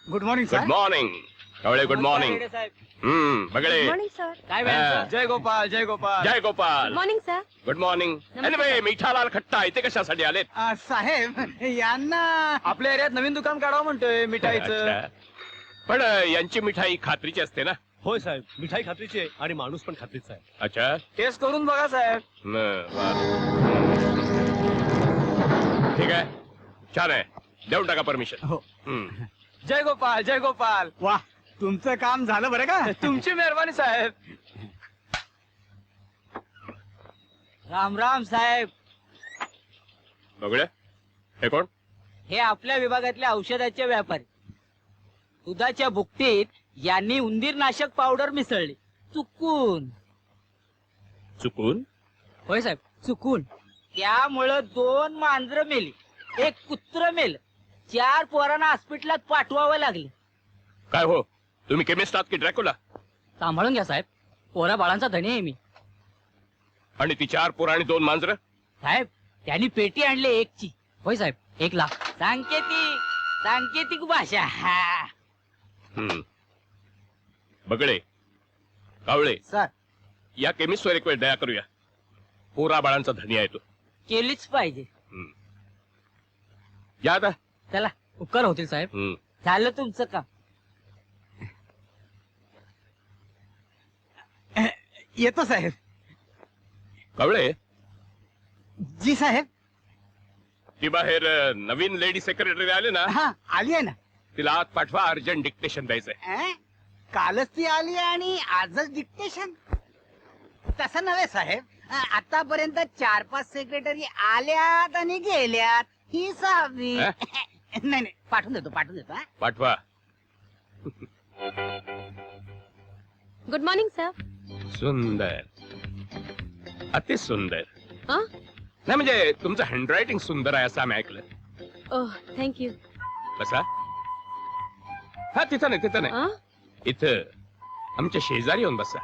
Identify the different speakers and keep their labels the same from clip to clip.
Speaker 1: Good morning
Speaker 2: good
Speaker 1: sir.
Speaker 2: Morning Kawale. Good morning. Bagale.
Speaker 3: Morning sir.
Speaker 1: काय
Speaker 2: हा.
Speaker 1: जय गोपाल जय गोपाल.
Speaker 2: जय Gopal.
Speaker 3: Morning sir.
Speaker 2: Good morning.
Speaker 3: नमस्कार.
Speaker 2: एनिवे मिठालाल खट्टा इथे कशासाठी आलेत?
Speaker 1: साहेब यांना आपल्या एरियात नवीन दुकान काढावं म्हणतोय मिठाईचं.
Speaker 2: अच्छा. पण यांची मिठाई खात्रीची असते ना?
Speaker 4: होय साहेब, मिठाई खात्रीची आहे आणि माणूस पण खात्रीचा आहे.
Speaker 2: अच्छा.
Speaker 1: टेस्ट करून बघा साहेब.
Speaker 2: बर. ठीक आहे, छान आहे, देऊन टाका परमिशन.
Speaker 1: हो.
Speaker 4: जय गोपाल जय गोपाल.
Speaker 1: वा तुमचं काम झालं बरं का.
Speaker 4: तुमची मेहरबानी साहेब.
Speaker 5: राम राम साहेब.
Speaker 2: बघूया हे कोण?
Speaker 5: हे आपल्या विभागातल्या औषधाचे व्यापारी. दुधाच्या बुकटीत यांनी उंदीरनाशक पावडर मिसळली चुकून.
Speaker 2: चुकून?
Speaker 5: होय साहेब चुकून. त्यामुळं 2 मांजरं मेली, 1 कुत्र मेल, 4 पोरांना हॉस्पिटलात पाठवावं लागले.
Speaker 2: काय हो, तुम्ही केमिस्ट आहात की ड्रॅक्युला?
Speaker 5: सांभाळून घ्या साहेब, पोरा बाळांचा धनी आहे मी.
Speaker 2: आणि ती 4 पोरं आणि 2 मांजरं?
Speaker 5: साहेब त्यांनी पेटी आणली 1ची. होय साहेब 1 लाख. सांकेतिक भाषा. हा.
Speaker 2: बगळे, कावळे,
Speaker 1: सर
Speaker 2: या केमिस्टवर एक वेळ दया करूया. पोरा बाळांचा धनी आहे तो.
Speaker 5: केलीच पाहिजे.
Speaker 2: या आता.
Speaker 5: चला उपकार होतील साहेब. झालं तुमचं काम.
Speaker 1: येतो साहेब.
Speaker 2: कावळे,
Speaker 1: जी साहेब.
Speaker 2: ती बाहेर नवीन लेडी सेक्रेटरी आले ना,
Speaker 1: हा आली आहे ना.
Speaker 2: तिला आत पाठवा, अर्जंट डिक्टेशन द्यायचंय.
Speaker 1: कालच ती आली आणि आजच डिक्टेशन. तसं नव्हे साहेब, आतापर्यंत 4-5 सेक्रेटरी आल्यात आणि गेल्यात. ही सहावी. नाही नाही पाठवून देतो हा.
Speaker 2: पाठवा.
Speaker 3: Good morning sir.
Speaker 2: सुंदर, अति सुंदर.
Speaker 3: हां?
Speaker 2: नाही म्हणजे तुमचं हँडरायटिंग सुंदर आहे असं आम्ही ऐकलं.
Speaker 3: Oh thank you.
Speaker 2: बसा. हा तिथं नाही, तिथं नाही,
Speaker 3: हां?
Speaker 2: इथं आमच्या शेजारी येऊन बसा.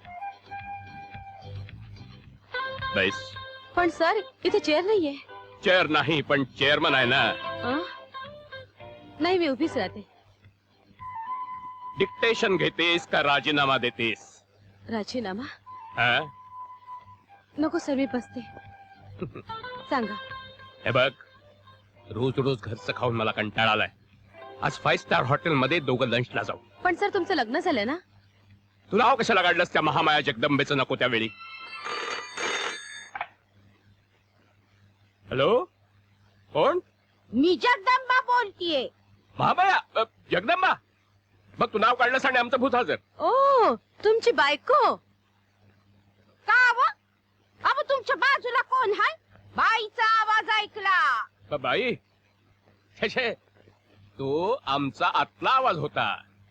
Speaker 2: बैस.
Speaker 3: पण सर इथे चेअर नाहीये.
Speaker 2: चेअर नाही पण चेअरमन आहे ना.
Speaker 3: हां? नाही मी उभीच राहते.
Speaker 2: डिक्टेशन घेतेस का राजीनामा देतेस?
Speaker 3: राजीनामा
Speaker 2: हा?
Speaker 3: नको सर, मी बसते. सांगा.
Speaker 2: हे बघ, रोज रोज घरचं खाऊन मला कंटाळा आलाय. आज 5 स्टार हॉटेल मध्ये दोघं लंचला जाऊ.
Speaker 3: पण सर तुमचं लग्न झालं ना.
Speaker 2: तुला नाव कशाला काढलंस त्या महामाया जगदंबेचं नको त्यावेळी? हॅलो, कोण?
Speaker 3: मी जगदंबा बोलतीये.
Speaker 2: महामाया? जगदंबा? बघ तू नाव काढलंस आणि आमचं भूत हजर.
Speaker 3: ओ तुमची बायको का? अहो तुमच्या बाजूला कोण आहे? बाईचा आवाज ऐकला.
Speaker 2: बाई, छे छे, तो आमचा आतला आवाज होता.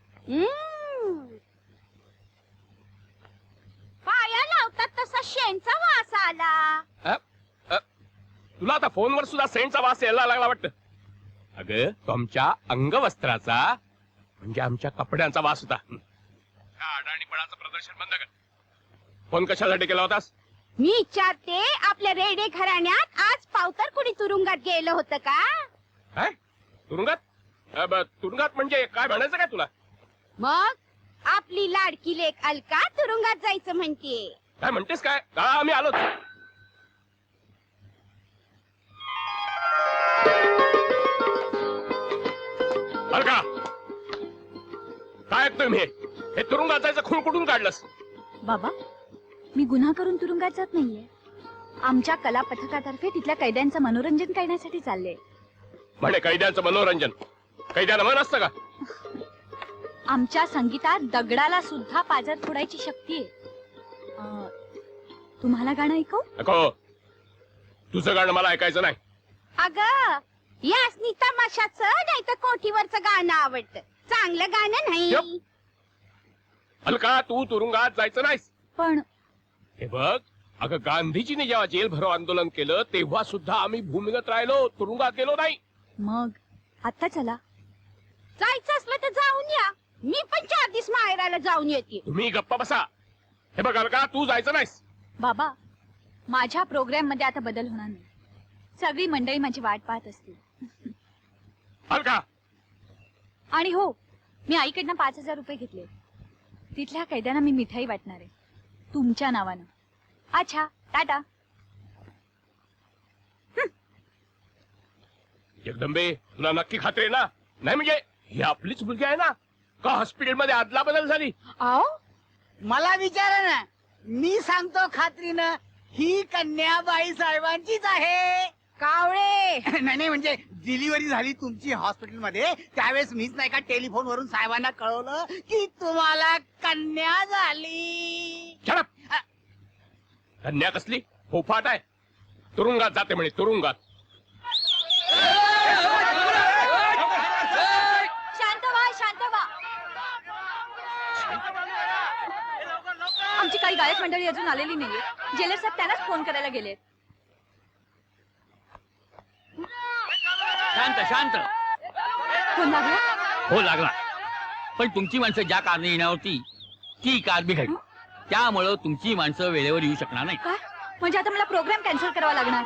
Speaker 3: पाया लावतात तसा शेणचा वास आला.
Speaker 2: अ? तुला आता फोनवर सुद्धा सेंटचा वास यायला लागला वाटतं. अगं तो आमच्या अंगवस्त्राचा म्हणजे आमच्या कपड्यांचा वास होता. अडाणीपणाचं प्रदर्शन बंद कर. फोन कशासाठी केला होतास?
Speaker 3: मी विचारते, आपल्या रेडे घराण्यात आज पावतर कुणी तुरुंगात गेलं होतं का?
Speaker 2: काय तुरुंगात? तुरुंगात म्हणजे काय म्हणायचं काय तुला?
Speaker 3: मग आपली लाडकी लेक अलका तुरुंगात जायचं म्हणतीये.
Speaker 2: काय म्हणतेस काय? का आम्ही आलोच. अलका, काय ऐकतोय मी? हे तुरुंगात जायचं खूण कुठून काढलंस?
Speaker 6: बाबा, मी गुन्हा करून तुरुंगात जात नाहीये. आमच्या कला पथकातर्फे तिथल्या कैद्यांचं मनोरंजन करण्यासाठी चालले.
Speaker 2: म्हणे कैद्यांचं मनोरंजन? कैद्याला मन असतं का?
Speaker 6: आमच्या संगीतात दगडाला सुद्धा पाजर फोडायची शक्ती आहे. तुम्हाला गाणं ऐकू?
Speaker 2: नको, तुझं गाणं मला ऐकायचं नाही.
Speaker 3: अगं यासनी तमाशाचं नाही तर कोठीवरचं गाणं आवडतं, चांगलं गाणं नाही.
Speaker 2: अलका, तू तुरुंगात जायचं नाहीस.
Speaker 6: पण
Speaker 2: हे बघ, अगं गांधीजींनी जेव्हा जेल भरो आंदोलन केलं तेव्हा सुद्धा आम्ही भूमिगत राहिलो, तुरुंगात गेलो नाही.
Speaker 6: मग आता चला.
Speaker 3: जायचं असलं तर जाऊन या. मी पण 4 दिवस माहेराला जाऊन येते.
Speaker 2: तुम्ही गप्पा बसा. हे बघ अलका, तू जायचं नाहीस.
Speaker 6: बाबा, माझ्या प्रोग्राम मध्ये आता बदल होणार नाही. सगळी मंडळी माझी वाट पाहत असतील.
Speaker 2: अलका,
Speaker 6: आणि हो, मी आईकडनं 5,000 रुपये घेतले. तिथल्या कैद्यांना मी मिठाई वाटणार आहे तुमच्या नावानं. अच्छा, टाटा.
Speaker 2: जगदंबे, तुला नक्की खात्री आहे ना? नाही म्हणजे ही आपलीच मुलगी आहे ना? का हॉस्पिटलमध्ये अदला बदल झाली?
Speaker 1: अहो मला विचारा ना, मी सांगतो खात्रीनं, ही कन्याबाई साहेबांचीच आहे.
Speaker 3: कावळे
Speaker 1: नाही म्हणजे डिलिव्हरी झाली तुमची हॉस्पिटलमध्ये त्यावेळेस मीच नाही का टेलिफोन वरून साहेबांना कळवलं की तुम्हाला कन्या झाली.
Speaker 2: Shut up! कन्या कसली फोफाट आहे. तुरुंगात जाते म्हणे, तुरुंगात.
Speaker 6: शांत व्हा, शांत व्हा. आमची काही गायक मंडळी अजून आलेली नाहीये. जेलर साहेब त्यांनाच फोन करायला गेले.
Speaker 5: शांत शांत.
Speaker 6: फोन लागला?
Speaker 5: हो लागला. पण तुमची माणसं ज्या कारने येणार होती ती कार बिघडली. त्यामुळं तुमची माणसं वेळेवर येऊ शकणार नाही.
Speaker 6: काय म्हणजे आता मला प्रोग्राम कॅन्सल करावा लागणार?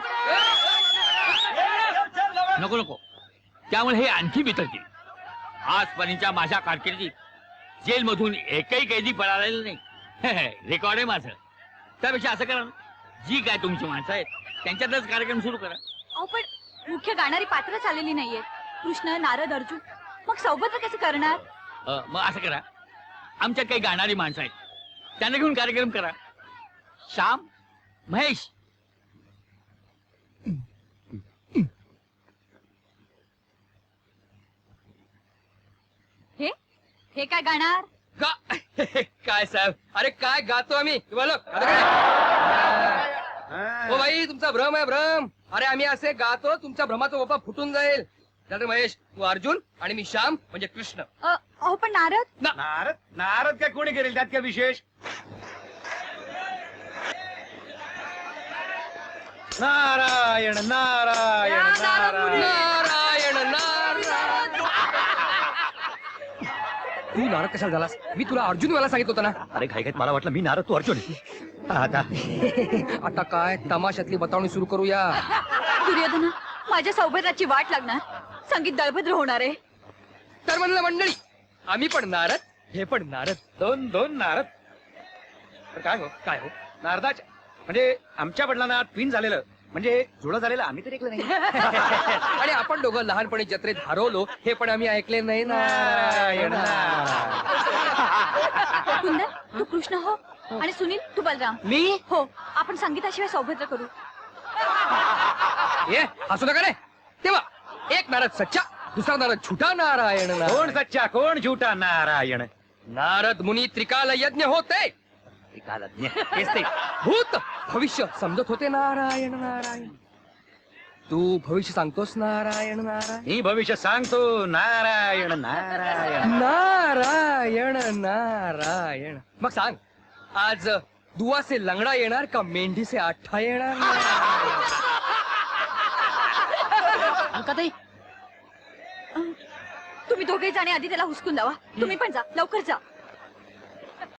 Speaker 5: नको नको, त्यामुळे हे आणखी बिथरतील. आजपर्यंतच्या माझ्या कारकिर्दीत जेलमधून एकही कैदी पळालेला नाही. रेकॉर्ड आहे माझं. त्यापेक्षा असं करा ना, जी काय तुमची माणसं आहेत त्यांच्यातच कार्यक्रम सुरू करा.
Speaker 6: अहो पण मुख्य गाणारी पात्रच आलेली नाहीये. कृष्ण, नारद, अर्जुन. मग सौबत कसं करणार?
Speaker 5: मग असं करा, आमच्यात काही गाणारी माणसं आहेत त्यांना घेऊन कार्यक्रम करा. श्याम, महेश.
Speaker 6: हे काय गाणार?
Speaker 4: काय साहेब, अरे काय गातो आम्ही तुम्हाला. हो भाई, तुमचा भ्रम आहे भ्रम. अरे आम्ही असे गातो तुमच्या भ्रमाचा बाबा फुटून जाईल. त्यानंतर महेश, तू अर्जुन आणि मी श्याम म्हणजे कृष्ण.
Speaker 6: अहो पण नारद.
Speaker 4: नारद नारद काय कोणी करेल, त्यात काय विशेष. नारायण नारायण नारायण नारायण नारायण. तू नारद कशाला झालास? मी तुला अर्जुन मला सांगितलं होतं ना.
Speaker 7: अरे घाई मला वाटलं मी नारद तू अर्जुन. आता
Speaker 4: आता काय तमाशातली बतावणी सुरू करूया.
Speaker 6: दुर्योधना, माझ्या सौबताची वाट लागणार. संगीत दळभद्र होणार आहे.
Speaker 4: तर म्हणलं मंडळी, आम्ही पण नारद, हे पण नारद.
Speaker 7: दोन दोन नारद. तर काय हो नारदाच्या म्हणजे आमच्या वडिलांना ट्विन झालेलं म्हणजे जुळं झालेलं आम्ही तरी ऐकलं नाही.
Speaker 4: आणि आपण दोघं लहानपणी जत्रेत हरवलो हे पण आम्ही ऐकले नाही.
Speaker 7: नारायण
Speaker 6: कुंदन, तू कृष्ण हो आणि सुनील तू बलराम.
Speaker 5: मी
Speaker 6: हो, आपण संगीताशिवाय सौभद्र करू.
Speaker 4: ये हसू नका रे. तेव्हा एक नारद सच्चा, दुसरा नारद झुटा. नारायण
Speaker 7: कोण
Speaker 4: नारायण.
Speaker 7: सच्चा कोण झुटा. नारायण
Speaker 4: नारद मुनी त्रिकाल यज्ञ होते.
Speaker 7: तेच ते.
Speaker 4: भूत भविष्य समजत होते. नारायण नारायण. तू भविष्य सांगतोस. नारायण नारायण.
Speaker 7: मी भविष्य सांगतो. नारायण नारायण.
Speaker 4: नारायण नारायण. मग सांग, आज दुवा से लंगडा येणार का मेंढी से आठा येणार?
Speaker 5: अलकाताई,
Speaker 6: तुम्ही दोघे जाणे आधी त्याला हुसकून लावा. तुम्ही पण जा, लवकर जा.